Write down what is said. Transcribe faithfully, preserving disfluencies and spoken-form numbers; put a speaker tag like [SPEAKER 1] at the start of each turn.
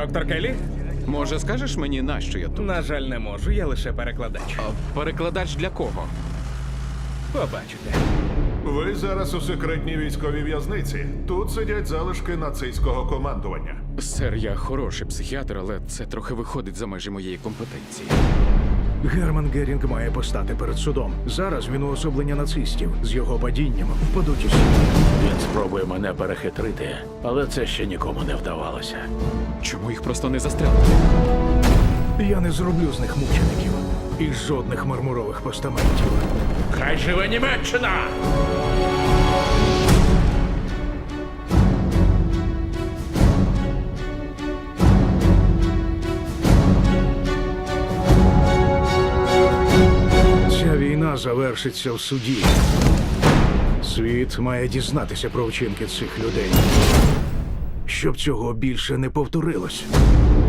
[SPEAKER 1] Доктор Келлі?
[SPEAKER 2] Може, скажеш мені, нащо я тут?
[SPEAKER 1] На жаль, не можу, я лише перекладач.
[SPEAKER 2] А перекладач для кого?
[SPEAKER 1] Побачите.
[SPEAKER 3] Ви зараз у секретній військовій в'язниці. Тут сидять залишки нацистського командування.
[SPEAKER 2] Сер, я хороший психіатр, але це трохи виходить за межі моєї компетенції.
[SPEAKER 4] Герман Герінг має постати перед судом. Зараз він уособлення нацистів. З його падінням впадуть усі.
[SPEAKER 5] Він спробує мене перехитрити, але це ще нікому не вдавалося.
[SPEAKER 2] Чому їх просто не застрелити?
[SPEAKER 4] Я не зроблю з них мучеників. І жодних мармурових постаментів.
[SPEAKER 5] Хай живе Німеччина!
[SPEAKER 4] Ця війна завершиться в суді. Світ має дізнатися про вчинки цих людей. Щоб цього більше не повторилось.